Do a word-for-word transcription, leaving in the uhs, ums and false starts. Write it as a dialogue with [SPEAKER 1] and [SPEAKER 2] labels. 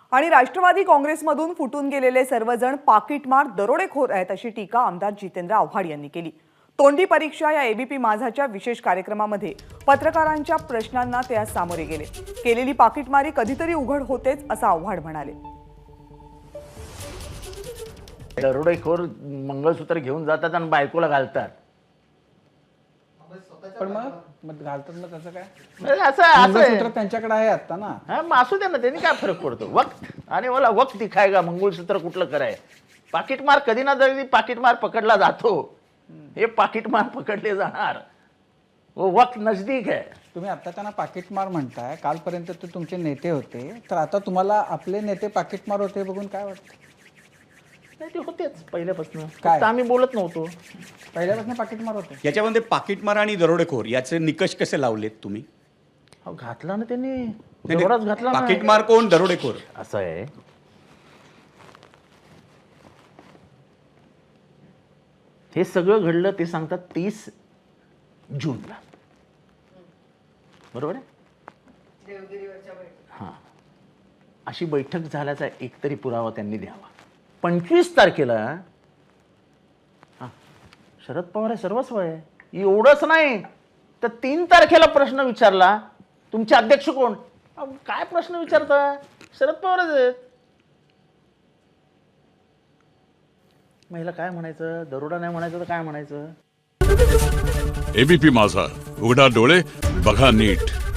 [SPEAKER 1] आणि राष्ट्रवादी काँग्रेसमधून फुटून गेलेले सर्वजण पाकिटमार दरोडेखोर आहेत अशी टीका आमदार जितेंद्र आव्हाड यांनी केली। तोंडी परीक्षा या एबीपी माझाच्या विशेष कार्यक्रमामध्ये पत्रकारांच्या प्रश्नांना ते आज सामोरे गेले। केलेली पाकिटमारी कधीतरी उघड होतेच असं आव्हाड म्हणाले।
[SPEAKER 2] दरोडेखोर मंगळसूत्र घेऊन जातात आणि बायकोला घालतात।
[SPEAKER 3] पण मग मग घालतात मग त्याचं काय?
[SPEAKER 2] म्हणजे असं असं
[SPEAKER 3] मंगळसूत्र त्यांच्याकडे आहे आता ना।
[SPEAKER 2] हा मग असू दे ना, त्यांनी काय फरक पडतो? वक्त आणि मला वक्त दिखायगा मंगळसूत्र कुठलं कराय। पाकिटमार कधी ना कधी पाकिटमार पकडला जातो, हे पाकिटमार पकडले जाणार, वो वक्त नजदीक है।
[SPEAKER 3] तुम्ही आता त्यांना पाकिटमार म्हणताय, कालपर्यंत ते तुमचे नेते होते, तर आता तुम्हाला आपले नेते पाकिटमार होते बघून काय वाटतं?
[SPEAKER 2] नाही, ते होतेच पहिल्यापासून,
[SPEAKER 3] काय?
[SPEAKER 2] फक्त आम्ही बोलत नव्हतो।
[SPEAKER 3] पहिल्यापासून पाकिटमार होते।
[SPEAKER 4] याच्यामध्ये पाकिटमार आणि दरोडेखोर याचे निकष कसे लावलेत तुम्ही?
[SPEAKER 2] अहो, घातला ना त्यांनी,
[SPEAKER 4] नाही,
[SPEAKER 2] जोरात घातला ना।
[SPEAKER 4] पाकिटमार कोण, दरोडेखोर?
[SPEAKER 2] असं आहे, हे सगळं घडलं ते सांगतात तीस जूनला, बरोबर आहे? हा, अशी बैठक झाल्याचा एकतरी पुरावा त्यांनी द्यावा। पंचवीस तारखेला हा शरद पवार आहे, सर्वस्व आहे, एवढंच नाही तर तीन तारखेला प्रश्न विचारला, तुमचे अध्यक्ष कोण? अहो, काय प्रश्न विचारता? शरद पवारच आहेत। महिला काय म्हणायचं? दरोडा नाही म्हणायचं तर काय म्हणायचं?
[SPEAKER 5] एबीपी माझा, उघडा डोळे बघा नीट।